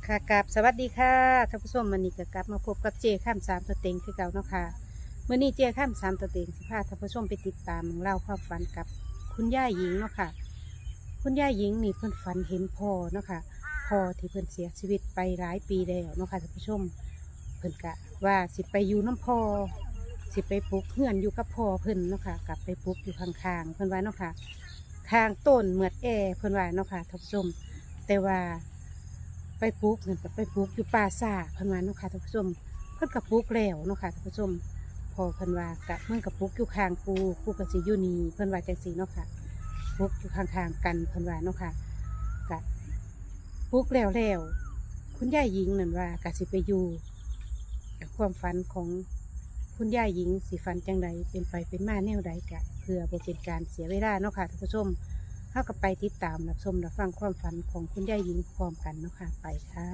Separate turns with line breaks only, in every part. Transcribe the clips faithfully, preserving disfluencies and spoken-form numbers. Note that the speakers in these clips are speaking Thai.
ค่ะกับสวัสดีค่ะท่านผู้ชมวันนี้ก็กลับมาพบกับเจข้ามสามตัวเต็งคือเก่าเนาะค่ะเมื่อนี้เจข้ามสามตัวเต็งสิพาท่านผู้ชมไปติดตามเล่าความฝันกับคุณย่าหญิงเนาะค่ะคุณย่าหญิงนี่เพิ่นฝันเห็นพ่อเนาะค่ะพ่อที่เพิ่นเสียชีวิตไปหลายปีแล้วเนาะค่ะท่านผู้ชมเพิ่นกะว่าสิไปอยู่น้ำพ่อสิไปปลูกเฮือนอยู่กับพ่อเพิ่นเนาะค่ะกลับไปปลูกอยู่ข้างๆเพิ่นว่าเนาะค่ะข้างต้นเหมือดแอเพิ่นว่าเนาะค่ะท่านผู้ชมแต่ว่าไปปลูกเงินกับไปปลูกอยู่ป่าซ่าเพิ่นว่าเนาะค่ะท่านผู้ชมเพิ่นกับปลูกแล้วเนาะค่ะท่านผู้ชมพอเพิ่นว่ากะเมื่อกับปลูกอยู่ข้างปูปูกับสิอยู่นี่เพิ่นว่าจังซี่เนาะค่ะปลูกอยู่ข้างๆกันเพิ่นว่าเนาะค่ะกะปลูกแล้วแล้วคุณย่าหญิงนั่นว่ากะสิไปอยู่กับความฝันของคุณย่าหญิงสิฝันจังใดเป็นไปเป็นมาแนวใดกะเพื่อบ่เป็นการเสียเวลาเนาะค่ะท่านผู้ชมเท่ากับไปติดตามรับชมรับฟังความฝันของคุณย่าหญิงพร้อมกันเนาะค่ะไปค่ะ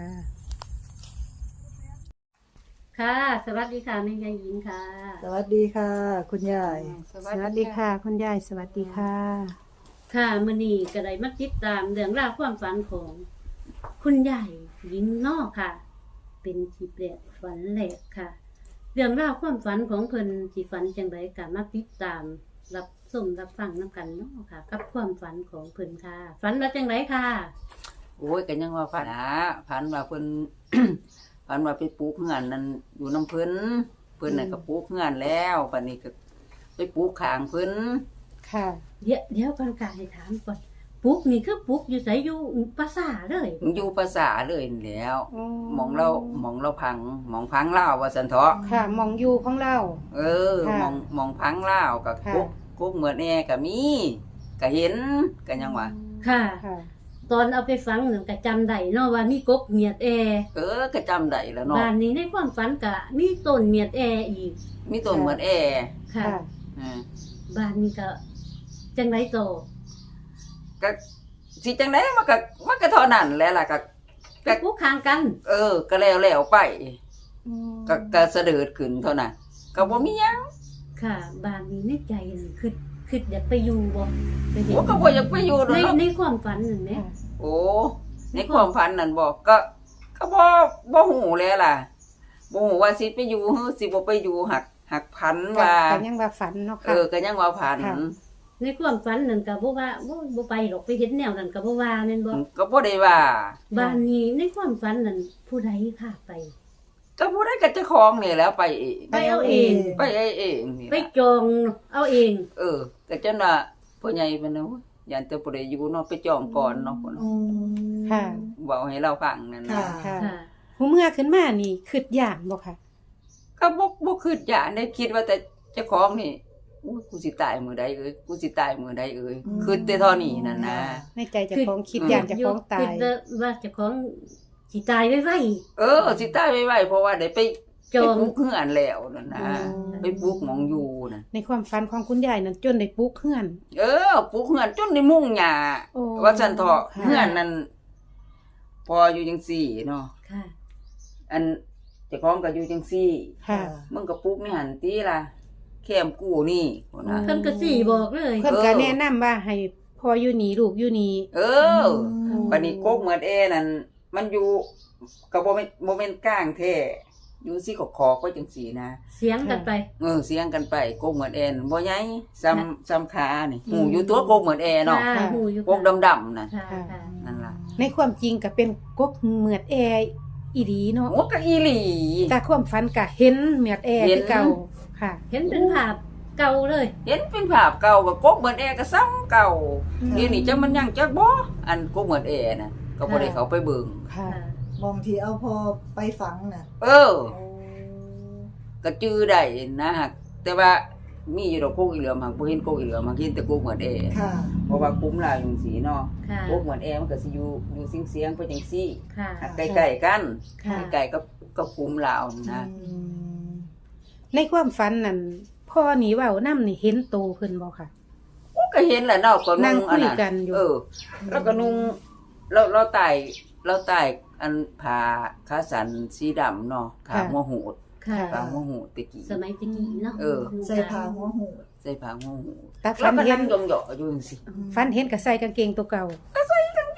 ค่ะสวัสดีค่ะแม่ยายหญิงค่ะ
สวัสดีค่ะ คุณยาย
สวัสดีค่ะคุณยายสวัสดีค่ะ
ค่ะมื้อนี้ก็ได้มาติดตามเรื่องราวความฝันของ คุณยายหญิงนอกค่ะ เป็นที่แปลกฝันแหลกค่ะ เรื่องราวความฝันของเพิ่นสิฝันจังไดก็มาติดตาม รับชมรับฟังนํกันเนาะค่ะ กับความฝันของเพิ่นค่ะ ฝันว่าจังไดค่ะ
โอ้ยก็ยังว่าฝันนะฝันว่าเพิ่น ฝันว่าไปปลูกเฮือนนั่นอยู่น้ำเพิ่นเพิ่นน่ะก็ปลูกเฮือนแล้วบัดนี้ก็ไปปลูกข้างเพิ่น
ค่ะ
เดี๋ยวเดี๋ยวก่อนค่ะให้ถามก่อนปลูกนี่คือปลูกอยู่ไสอยู่ภาษาเลย
อยู่ภาษาเลยนี่แหล้วหมองเราหมองเราพังหมองพังลาวว่าซั่นเถาะ
ค่ะมองอยู่ของเรา
เออ
ค่ะ
หมองหมองพังลาวก็
ค่ะ
กุ๊กกุ๊กเหมือนแอก็มีก็เห็นก็ยังว่า
ค่ะ
ค่ะ
ตอนเอาไปฝังนั่นก็จำได้เนาะว่ามีกกเมียดแอ
เออก็จำได้แล้วเนาะ
บ้านนี้ในความฝันก็มีต้นเมียดแออีก
มีต้นเหมือนแอ
ค่ะ
ค่ะ
อ่า
บ้านนี้ก็จังไรโตอ
ก็สิจังได๋มันก็มันก็เท่านั้นแหละล่ะก็
ไปปลูกข้างกัน
เออ ก็แล้วแล้วไป
อืม
ก็ก็เสด็จขึ้นเท่านั้นก็บ่มีหยัง
ค่ะ บ้านนี้ในใจนั่นคือคืออยากไปอยู่บ่ไปเห็น
โอ้ก็บ่อยากไปอยู่ดอก
ใน
เนาะ
ในความฝันนั่นแหม
ค่ะ
โอ้ในความฝันนั่นบอกก็ก็บ่บ่ฮู้แล้วล่ะบ่ฮู้ว่าสิไปอยู่หรือสิบ่ไปอยู่หักหักพันว่า
ก็ยังว่าฝันเนาะ
เอ
ค่ะ
อก็ยังว่าพัน
ค่ะ
ในความฝันนั่นก็บ่ว่าบ่บ่ไปหรอกไปเห็นแนวนั้นก็บ่ว่าแม่นบ่
ก็บ่ได้ว่า
บ้านนี้ในความฝันนั่นผู้ใดพาไป
ก็บ่ได้ก็เจ้าของนี่แหล้วไปเอง
ไปเอาเอง
ไปเองเองนี่
ไป
ล่ะ
จองเอาเอง
เออก็จนว่าพ่อใหญ่เพิ่นน่ะโอ้ยยันแต่บ่ได้อยู่เนาะไปจองก่อนเนาะพุ่น
อืม
ค่ะ
เว้าให้เราฟังนั่น
ค่ะ
น่ะ
ค่ะ
ค่ะ
หูเมื่อขึ้นมานี่คืดอย่างบ่ค่ะ
ก็บ่บ่คิดอยากได้คิดว่าแต่เจ้าของนี่อู้กูสิตายมื้อใดเอ้ยกูสิตายมื้อใดเอ้ย
อืม
คิดแต่เท่านี้นั่นนะ
ในใจเจะของคิดอย่างเจะของตาย
คือว่าเจะของสิตายไว้
เออสิตายไวๆเพราะว่าได้ไป
ๆจอง
ไปปลูกเฮือนแล้วนั่นนะ
อืม
ไปปลูกหมองอยู่น่ะ
ในความฝันของคุณยายนั้นจนได้ปลูกเฮือน
เออปลูกเฮือนจนได้มุ่งหญ้า
โอ้
ว่าซั่นเถาะ
ค่ะ
เฮือนนั่นพออยู่จังซี่เนาะ
ค่ะ
อันเจ้าของก็อยู่จังซี่
ค่ะ
มึงก็ปลูกในหันติล่ะแคมกู้นี่พุ่นน่ะ
เพิ่นก็สิบอกเลย
เพิ่นก็
เออ
แนะนำว่าให้พ่ออยู่นี่ลูกอยู่นี่
เออบัดนี้กกเหมือนแอนั่นมันอยู่ก็บ่แม่นบ่แม่นกลางแท้อยู่สิขอกๆไว้จังซี่นะ
เสียงกันไป
เออเสียงกันไปโกกเหมือนแอนบ่ใหญ่ซ้ำซ้ำขานี่หูอยู่ตัวโกกเหมือนแอเนาะ
ค่ะหูอยู่
โกกดำๆน่ะ
ค่ะค่ะ
นั่นล่ะ
ในความจริงก็เป็นกกเหมือดแออีหลีเนาะ
โอ้ก็อีหลี
แต่ความฝันก็เห็นเหมือดแอ
เห็น
คือเก่าค่ะ
เห็นเป็นภาพเก่าเลย
เห็นเป็นภาพเก่าก็โกกเหมือนแอก็ซ้ำเก่า
อืม
เดี๋ยวนี้จักมันยังจักบ่อันโกกเหมือนแอน่ะก็บ่ได้เข้าไปเบิ่ง
ค่ะ
ค่ะ
มองที่เอาพอไปฝังน่ะ
เออ ก็จื้อได้นะฮะแต่ว่ามีอยู่ดอกโกกอีเหลือมหักบ่เห็นโกกอีเหลือมหักเห็นแต่โกกเหมือนแอ
ค่ะ
เพราะว่าคุ้มลาวอยู่สีเนาะ
ค่ะ
โกกเหมือนแอมันก็สิอยู่อยู่เสียงๆไปจังซี่
ค่ะ
ใกล้ๆกัน
ค่ะ
ใกล้ๆกับกับคุ้มลาวนะ
อืม
ในความฝันนั้นพ่อนี่เว้านำนี่เห็นโตเพิ่นบ่ค่ะ
ก็เห็นแหละเนาะก็
นั่
นุ่
ง
ง
คุ
อัน
ย
นั้น
กันอยู่
เออ แล้วก็นุ่งเราเราไต่เราไต่อันผ้าขาสันสีดำเนาะขาหัวหูด
ค่ะ
ผ้าหัวหูดตะกี้
สมัยตะกี้เนาะ
เออ
ใส่ผ้าหัวหูด
ใส่ผ้าหัวหูด
แต่
แล้
ฝั
วน ก็
เห็
นั่
น
งยองๆอยู่จังซี่
ฝันเห็นก็ใส่กางเกงตัวเก่า
เก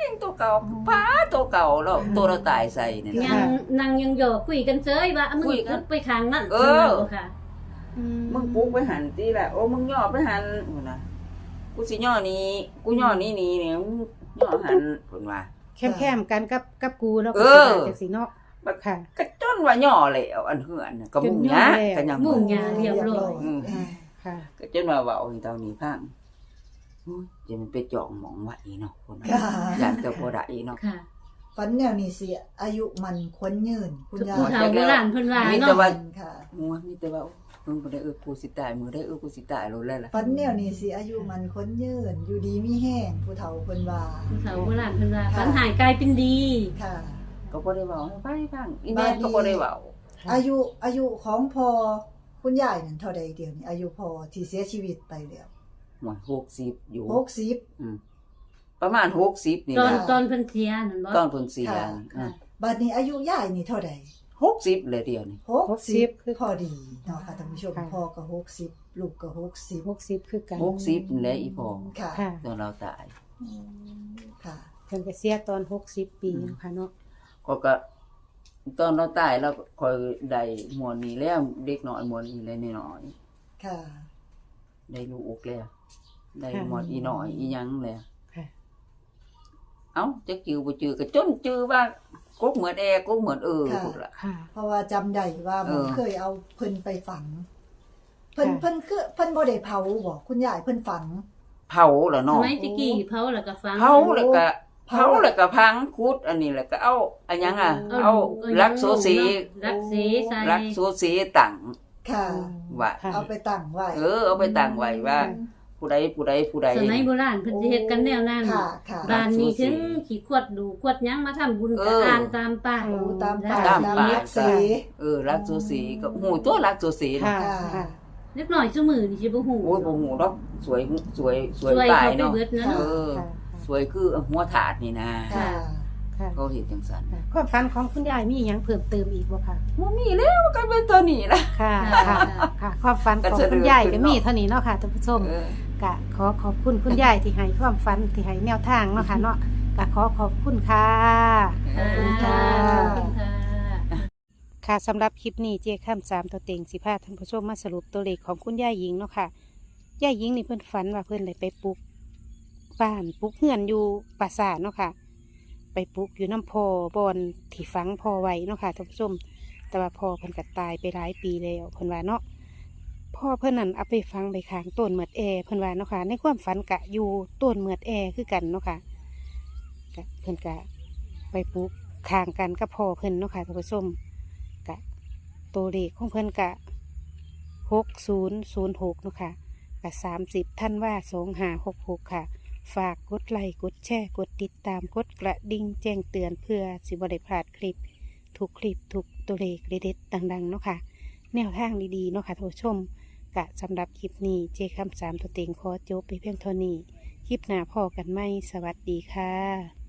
งตัวเก่าป้าตัวเก่าแล้วตัวเราตายใส่เนี่ย
ยังนั่งยังหยอกคุยกันเฉยว่ามึง
คุยกัน
ไปข้างนั่น
เออ
นั่นค่ะ
มึงปลุกไปหันตีแหละโอ้มึงย่อไปหันพุ่นน่ะกูสิย่อนี้กูย่อนี้นี่เนี่ยมึงย่อหันพุ่นว่า
แคมๆกันกับกับกูแล้ว
เอ
ก็
อ
สิได้จังซี่เนาะค่ะ
ก็จนว่าย่อแล้วอันเหือนน่ะก็มุ่งหยาก็ยัง
มุ่งหยาเรียบร้อย
อืม
ค่ะ
ก็จนว่าเว้าให้เท่านี้พังโอ้ยจะมันไปจองหมองไว้เนาะพุ่นน่ะ
ค่ะ
อยากจะบ่ได้เนาะ
ค่ะ
ฝันแนวนี้สิอายุมันควรยืนคุณยา
ผู้
ย
เฒ่าโบราณเพิ่นว่า
มี
เนาะ
แต่ว่า
ค่ะ
มัวมีแต่ว่ามึงบ่ได้เออกูสิตายมือได้เออกูสิตายโลดแล้วล่ะ
ฝันแนวนี้สิอายุมันควรยืนอยู่ดีมีแห้งผู้เฒ่าเพิ่นว่า
ผู้เฒ่าโบราณเพิ่นว่าฝันหายกลายเป็นดี
ค่ะ
ก็บ่ได้เว้าให้ฟังให้ฟังอีแม่ก็บ่ได้เว้า
อายุอายุของพอคุณยายนั่นเท่าใดเดียวนี้อายุพอที่เสียชีวิตไปแล้ว
หมดหกสิบอยู่
หกสิบ
อืมประมาณหกสิบนี่
ตอน
นะ
ตอนเพิ่นเสียนั่นบ่
ตอนเพิ่นเสีย
ค่ะ
นี่
ค่ะ
บัดนี้อายุยายนี่เท่าใด
หกสิบเลยเดียวนี่
หกสิบคือพอดีเนาะค่ะท่านผู้ชม
ค่ะ
พ่อก็หกสิบลูกก็หกสิบ
หกสิบคือกัน
หกสิบนี่แหละอีพ่อ
ค่ะ
ค่ะ
ตอนเราตาย
ค่ะ
เพิ่นก็เสียตอนหกสิบปีเนาะค่ะเนาะ
ก็ก็ตอนเราตายเราก็ค่อยได้หมวนนี้แล้วเด็กน้อยหมวนนี้เลยน้อย
ค่ะ
ๆได้ลูกแล้วได้หมวนอีน้อยอีหยังแล้ว
ค่ะ
เอ้าจะจือบ่จือก็จนจือว่ากกเหมือนแอร์กกเหมือนเออ
ค่ะ
พุ่นล่ะ
ค่ะ
เพราะว่าจำได้ว่าหมอ
เออ
เคยเอาเพิ่นไปฝัง เพิ่น
ค่ะ
เพิ่นคือเพิ่นบ่ได้เผาบ่คุณยายเพิ่นฝัง
เผาล่ะ
ส
เนาะ
มัยตะกี้เผาแล้วก็ฝัง
เผาแล้วก็
เผา
เผาแล้วก็พังคุดอันนี้แล้วก็เอาอันหยังอ่ะเอาลักโซสี
รักสีใส่
ลักโซสีตั้ง
ค่ะ
ว่า
ค่ะ
เอาไปตั้งไว้
เออเอาไปตั้งไว้ว่า ผู้ใดผู้ใดผู้ใด
สมัยโบราณเพิ่นสิเฮ็ดกันแนวนั้น
ค่ะค่ะ
บ้านนี้ถึงขี้ขวดดูขวดหยังมาทำบุญก็อ่านตามป้าย
โอ้ตามป่า
ตาม
ตาม
ป่า
ลักสี
เออลักโซสีก็หูตัวลักโซสี
ค่ะ
เนาะ
ค่ะ
เล็กน้อยซุมื้อนี่สิบ่ฮู้
โอ้ยบ่หูดอกสวยสวยสวย
สวย
ตาย
เข้าไป
เนาะ
เบิดนะ
เอ
เนาะ
อ
ค่ะ
สวยคือหัวถาดนี่นะ
ค่ะ
ค่ะ
เขาเฮ็ดจังซั่น
ค่ะความฝันของคุณยายมีหยังเพิ่มเติมอีกบ่ค่ะ
บ่มีแล้วก็เป็นตัวนี้ล่ะ
ค่ะ
ค่ะ
ค่ะ ค่ะ ความฝันของ
ก็จะ
คุณยาย
เดิ
ก็
นขึ้น
มี
เนาะ
เท่านี้เนาะค่ะท่านผู้ชม
เออ
กะขอขอบคุณคุณยายที่ให้ความฝันที่ให้แนวทางเนาะค่ะเนาะกะขอขอบคุณค่ะ
ขอบคุณค่ะ
ขอบคุณค่ะ
ค่ะสำหรับคลิปนี้เจ๊ข้ามสามตัวเต็งสิพาท่านผู้ชมมาสรุปตัวเลขของคุณยายหญิงเนาะค่ะยายหญิงนี่เพิ่นฝันว่าเพิ่นเลยไปปลูกบ้านปลูกเฮือนอยู่ปราสาทเนาะค่ะ ไปปลูกอยู่น้ำพอบอนที่ฝังพอไว้เนาะค่ะท่านผู้ชม แต่ว่าพ่อเพิ่นก็ตายไปหลายปีแล้วเพิ่นว่าเนาะพ่อเพิ่นนั่นเอาไปฝังไปค้างต้นเหมือดแอเพิ่นว่าเนาะค่ะในความฝันกะอยู่ต้นเหมือดแอคือกันเนาะค่ะกะเพิ่นกะไปปลูกค้างกันกับพ่อเพิ่นเนาะค่ะท่านผู้ชมกะตัวเลขของเพิ่นกะหกศูนย์ศูนย์หกเนาะค่ะกะสามสิบท่านว่าสองห้าหกหกค่ะ ฝากกดไลค์กดแชร์กดติดตามกดกระดิ่งแจ้งเตือนเพื่อสิบได้พลาดคลิปทุกคลิปทุกตัวเลขเด็ดๆดังๆเนาะค่ะแนวทางดีๆเนาะค่ะท่านผู้ชมกะสำหรับคลิปนี้เจคำสามตัวเต็งขอจบไปเพียงเท่านี้คลิปหน้าพอกันไหมสวัสดีค่ะ